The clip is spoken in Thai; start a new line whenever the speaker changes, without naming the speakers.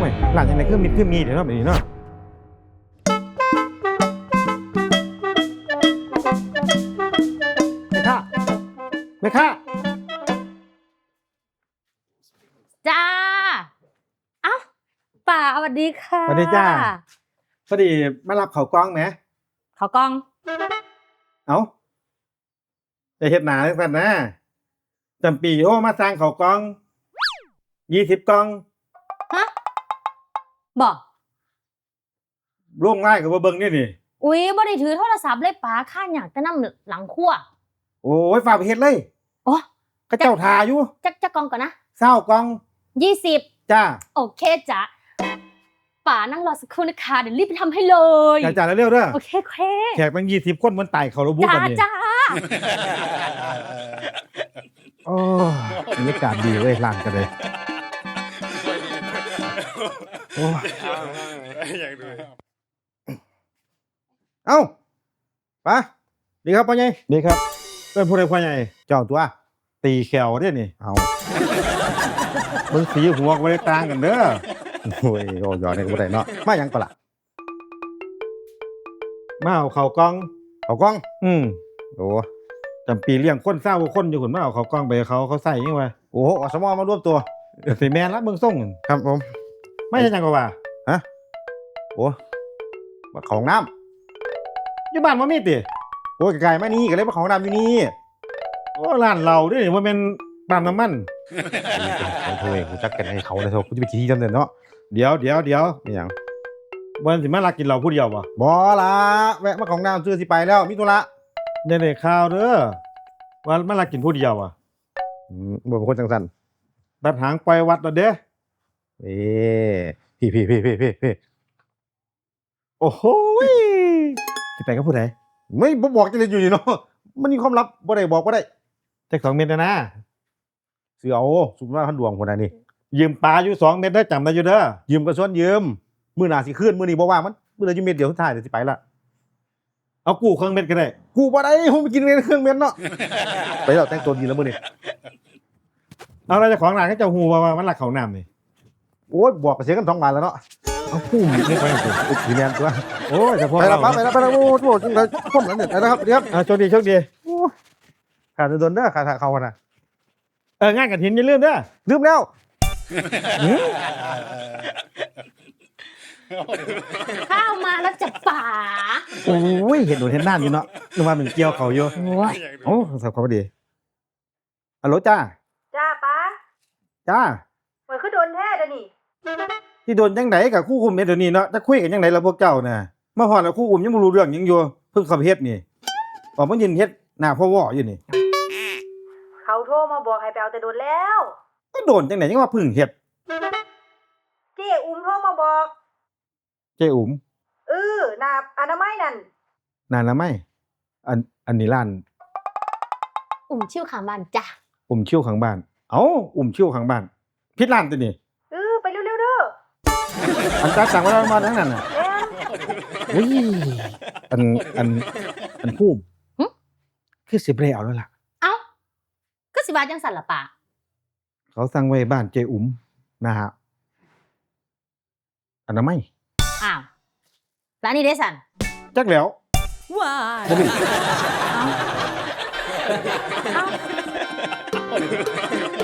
ไม่หลังจากนั้นคือมีเดี๋ยวเนาะแบบนี้เนาะแม่ค้า
จ้าเอ้าป่าสวัสดีค่ะ
สวัสดีจ้าพอดีมารับเขากล้องไหม
เขากล้อง
เอ้าจะเฮ็ดหนาจังซั่นนะจำปีโอ้มาสร้างเขากล้อง20กล้อง
ฮะบอก
ล่วงไล่กับว่าเบิ่งนี่นี่
อุ๊ยบ่ได้ถือโทรศัพท์เลยป๋าข้าอยากจะนำหลังครัว
โอ้ยฝากไปเฮ็ดเลย
โอ้
ก็เจ้าทาอยู่
จักกล้องก่อนนะ
20กล้อง
20
จ้า
โอเคจ้ะป๋านั่งรอสักครู่นะคะเดี๋ยวรีบไปทำให้เลย
จ้าเร็วๆเด้อ
โอเคโอเค
แขกตั้ง20คนมันไต่เขาระบุ
จ้า
กันนี่
จ้า
โอ้บรรยากาศดีเว้ยร้านกันเลยโอ้เอ้าไปดีครับพ่อใหญ่ดีครับเป็นผู้ใดพ่อใหญ่เจ้าตัวตีแขวเด้นี่เอามึงสีหัวก็บ่ได้ต่างกันเด้อโอ้ยโอ้ยอดนี่ก็บ่ได้เนาะมาหยังก็ล่ะมาเอาข้าวกล้องโอ้จำปีเลี้ยงคน20คนอยู่พุ่นมาเอาข้าวกล้องไปให้เขาใส่ยังวะโอ้อสมมารวมตัวสิแม่นละเบิ่งส่งครับผมไม่ใช่จังก็ว่าฮะโอ้มาของน้ำอยู่บ้านบ่มีติโอ้ยไกลๆมานี่ก็เลยมาของน้ำอยู่นี่โอ้ร้านเราเด้บ่แม่นปั๊มน้ำมันเขาโทรเองกูจักกันให้เขาเลยโทรกูจะไปขี้จังเด้อเนาะเดี๋ยวนี่หยังบ่สิมาลักกินเหล้าผู้เดียวบ่บ่ล่ะแวะมาของน้ำซื้อสิไปแล้วมีธุระได้ข่าวเด้อว่ามาลักกินผู้เดียวอ่ะบ่เป็นคนจังซั่นตัดหางปล่อยวัดแล้วเด้พี่โอ้โหสิไปกับผู้ใดไม่บอกจังได๋อยู่นี่เนาะมันมีความลับบ่ได้บอกบ่ได้จัก2เม็ดนะซื้อเอาสุมว่าพันดวงพุ่นน่ะนี่ยืมปลาอยู่2เม็ดเด้อจำได้อยู่เด้อยืมก็ส่วนยืมมื้อหน้าสิคืนมื้อนี้บ่ว่างมันมื้อละอยู่เม็ดเดียวสุดท้ายเดี๋ยวสิไปละเอากู้เครื่องเม็ดก็ได้กู้บ่ได้ผมไปกินเม็ดเครื่องเม็ดเนาะไปแล้วแต่งตัวดีแล้วมื้อนี้เอาแล้วเจ้าของร้านเขาเจ้าฮู้ว่ามันรักเขาน้ำนี่โอ้ยบอกก็เสียกัน2บาทแล้วเนาะเอากู้ไม่ไปสิอีแม่นตัวโอ้ยเฉพาะเราไปแล้วโอ้โหจังได๋คนนั้นเนี่ยนะครับเดี๋ยวโชคดีขาดโดนเด้อขาดเขาน่ะงานกฐินอย่าลืมเด้อลืมแล้ว
ข้าวมาแล้วจะป๋า
โอ้ยเห็นโดนเห็นน้ำอยู่เนาะนึกว่ามันเกี่ยวเขาอยู่
โอ้ย
โอ้สับเขาพอดีฮัลโหลจ้า
จ้าป้า
จ้า
เหมือนคือโดนแท้เดี๋ยวนี้
ที่โดนจังไดกับคู่คุมเฮ็ดเดี๋ยวนี้เนาะจะคุยกันจังไดล่ะพวกเจ้าน่ะมาฮอดแล้วคู่คุมยังบ่รู้เรื่องหยังอยู่เพิ่งเข้าไปเฮ็ดนี่ออกมายืนเฮ็ดหน้าพ่อวออยู่นี่
เขาโทรมาบอกให้ไปเอาแต่โดนแล้ว
ก็โดนจังได๋ยังว่าเพิ่งเฮ็ด
เจ๊อุ้มโทรมาบอก
เจ้อุ๋ม
หน้าอนามัยนั่น
นานแล้วไหมอันนี้ร้าน
ชิ่วขางบ้านจ้ะ
ชิ่วข้างบ้านเอ้าชิ่วข้างบ้านผิดร้านตัวนี่
ไปเร็วๆเด้อ
อันจ้าสั่งไว้แล้วมาทั้งนั้นน่ะ
แม่น
อุ้ยอันภูมิคือสิบ่ได้เอาแล้วล่ะ
เอ้าก็สิว่าจังสั่นล่ะป๋า
เขาสั่งไว้บ้านเจอุ๋มนะฮะอนามัย
อ้าวร้านนี้ได้สั่น
จักแล้ว
ว้า
บ่มี
เอ้า